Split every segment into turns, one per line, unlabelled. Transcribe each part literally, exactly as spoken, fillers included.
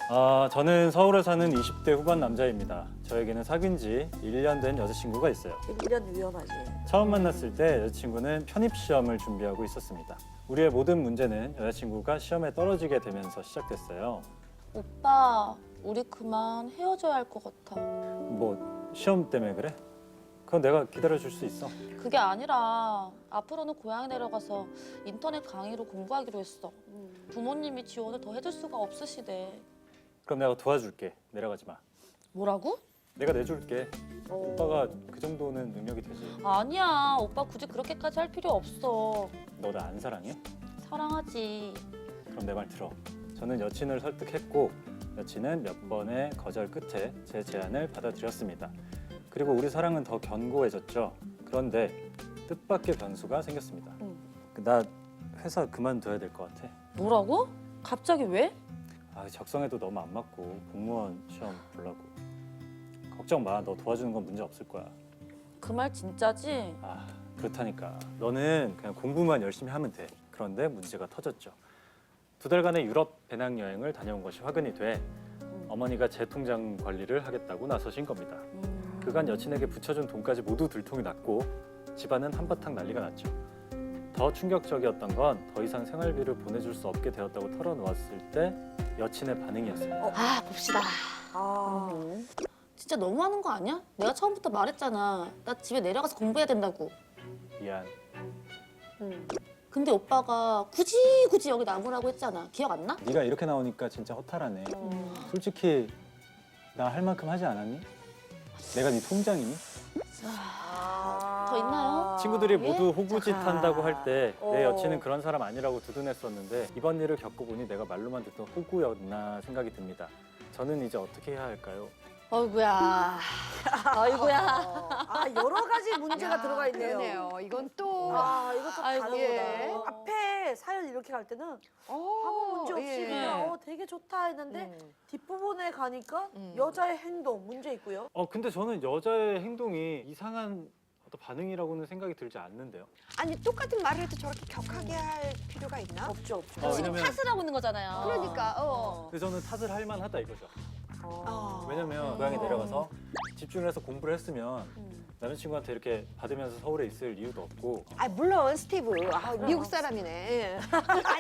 아, 저는 서울에 사는 이십 대 후반 남자입니다. 저에게는 사귄 지 일 년 된 여자친구가 있어요.
일 년 위험하지.
처음 만났을 때 여자친구는 편입시험을 준비하고 있었습니다. 우리의 모든 문제는 여자친구가 시험에 떨어지게 되면서 시작됐어요.
오빠, 우리 그만 헤어져야 할 것 같아.
뭐 시험 때문에 그래? 그건 내가 기다려줄 수 있어.
그게 아니라 앞으로는 고향에 내려가서 인터넷 강의로 공부하기로 했어. 부모님이 지원을 더 해줄 수가 없으시대.
그럼 내가 도와줄게. 내려가지 마.
뭐라고?
내가 내줄게. 오빠가 그 정도는 능력이 되지.
아니야, 오빠 굳이 그렇게까지 할 필요 없어.
너 나 안 사랑해?
사랑하지.
그럼 내 말 들어. 저는 여친을 설득했고 여친은 몇 번의 거절 끝에 제 제안을 받아들였습니다. 그리고 우리 사랑은 더 견고해졌죠. 그런데 뜻밖의 변수가 생겼습니다.
응.
나 회사 그만둬야 될 것 같아.
뭐라고? 갑자기 왜?
아, 적성에도 너무 안 맞고 공무원 시험 보려고. 걱정 마. 너 도와주는 건 문제 없을 거야.
그 말 진짜지?
아, 그렇다니까. 너는 그냥 공부만 열심히 하면 돼. 그런데 문제가 터졌죠. 두 달간의 유럽 배낭여행을 다녀온 것이 화근이 돼 어머니가 제 통장 관리를 하겠다고 나서신 겁니다.
음...
그간 여친에게 붙여준 돈까지 모두 들통이 났고 집안은 한바탕 난리가 났죠. 더 충격적이었던 건 더 이상 생활비를 보내줄 수 없게 되었다고 털어놓았을 때 여친의 반응이었어요.
아, 봅시다.
아,
음. 진짜 너무하는 거 아니야? 내가 처음부터 말했잖아. 나 집에 내려가서 공부해야 된다고.
미안.
음. 근데 오빠가 굳이 굳이 여기 남으라고 했잖아. 기억 안 나?
네가 이렇게 나오니까 진짜 허탈하네.
음.
솔직히 나 할 만큼 하지 않았니? 내가 네 통장이니?
더 있나요?
친구들이
예?
모두 호구짓
자.
한다고 할 때 내
어.
여친은 그런 사람 아니라고 두둔했었는데 이번 일을 겪어보니 내가 말로만 듣던 호구였나 생각이 듭니다. 저는 이제 어떻게 해야 할까요?
어이구야. 어이구야.
아 여러 가지 문제가 들어가 있네요.
그러네요. 이건 또
아 이것도
아이고.
다르구나.
예.
앞에 사연 이렇게 갈 때는
어,
아무 문제 없이
예.
그냥 어, 되게 좋다 했는데
음.
뒷부분에 가니까
음.
여자의 행동 문제 있고요.
어 근데 저는 여자의 행동이 이상한 어떤 반응이라고는 생각이 들지 않는데요.
아니 똑같은 말을 해도 저렇게 격하게 할 필요가 있나?
없죠 없죠.
어,
지금
왜냐면-
탓을 하고 있는 거잖아요.
그러니까 어.
근데 저는 탓을 할 만하다 이거죠.
어.
왜냐면 고향에 내려가서 집중을 해서 공부를 했으면 남자친구한테 이렇게 받으면서 서울에 있을 이유도 없고.
아 물론 스티브 아, 미국 사람이네. 예. 아니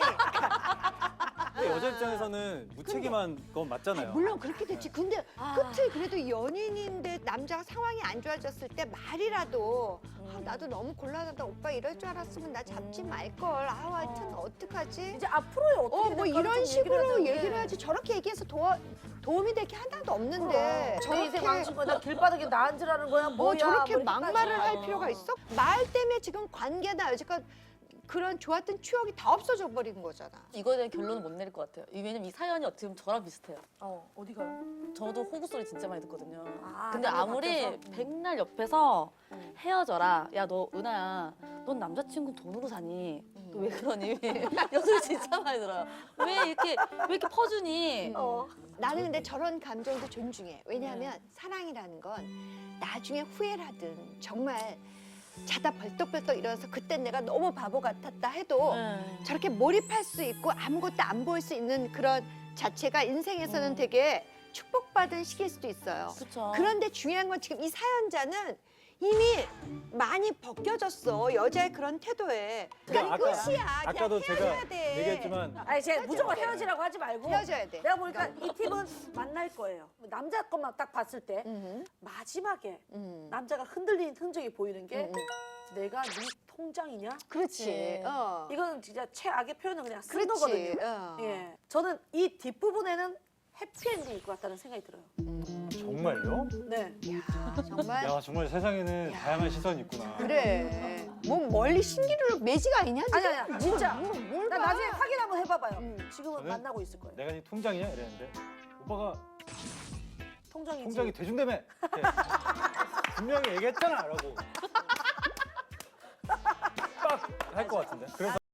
근데 여자 입장에서는 무책임한 건 맞잖아요.
물론 그렇게 됐지. 근데
아.
끝에 그래도 연인인데 남자가 상황이 안 좋아졌을 때 말이라도 아, 나도 너무 곤란하다. 오빠 이럴 줄 알았으면 나 잡지 말걸. 아 하여튼 어떡하지?
이제 앞으로의 어떻게
어 뭐
될까를
이런
좀
식으로
하자고.
얘기를 해야지. 저렇게 얘기해서 도와, 도움이 될 게 하나도 없는데
저 인생 망친 거야. 나 길바닥에 나 앉으라는 거야.
뭐
뭐야.
저렇게
뭐 이렇게까지.
막말을 할 필요가 있어? 말 때문에 지금 관계나 여지껏 그런 좋았던 추억이 다 없어져 버린 거잖아.
이거에 대한 결론은 못 내릴 것 같아요. 왜냐면 이 사연이 어떻게 보면 저랑 비슷해요.
어 어디 가요?
저도 호구 소리 진짜 많이 듣거든요.
아,
근데
남녀
아무리
바뀌어서?
백날 옆에서
음.
헤어져라. 야, 너 은하야. 넌 남자친구 돈으로 사니?
음.
너 왜 그러니? 이 소리 진짜 많이 들어요. 왜 이렇게 왜 이렇게 퍼주니?
어.
나는 근데 저런 감정도 존중해. 왜냐하면 사랑이라는 건 나중에 후회를 하든 정말 자다 벌떡벌떡 일어나서 그때 내가 너무 바보 같았다 해도
네.
저렇게 몰입할 수 있고 아무것도 안 보일 수 있는 그런 자체가 인생에서는 되게 축복받은 시기일 수도 있어요.
그렇죠.
그런데 중요한 건 지금 이 사연자는 이미 많이 벗겨졌어. 여자의 그런 태도에. 그러니까
아까-
끝이야.
아까도
그냥
제가
헤어져야 돼.
얘기했지만
아니 제가 무조건 헤어지라고 하지 말고
헤어져야 돼.
내가 보니까 이 팁은 만날 거예요. 남자 것만 딱 봤을 때
음,
마지막에
음.
남자가 흔들리는 흔적이 보이는 게
음, 음.
내가 네 통장이냐?
그렇지.
그치.
어.
이건 진짜 최악의 표현은 그냥 쓴
그렇지.
거거든요.
어.
예, 저는 이 뒷부분에는 해피엔딩일 것 같다는 생각이 들어요.
정말요?
네.
야, 정말.
야 정말 세상에는 다양한 시선이 있구나.
그래. 뭐 멀리 신기루 매지가 아니냐? 지금?
아니 아니야, 진짜.
뭐, 뭘
나
봐.
나중에 확인 한번 해봐봐요.
음.
지금은
저는-
만나고 있을 거예요.
내가 네 통장이야? 이랬는데 오빠가
통장이지.
통장이 대준다며. 네. 분명히 얘기했잖아 라고 빡 할 것 같은데. 그래서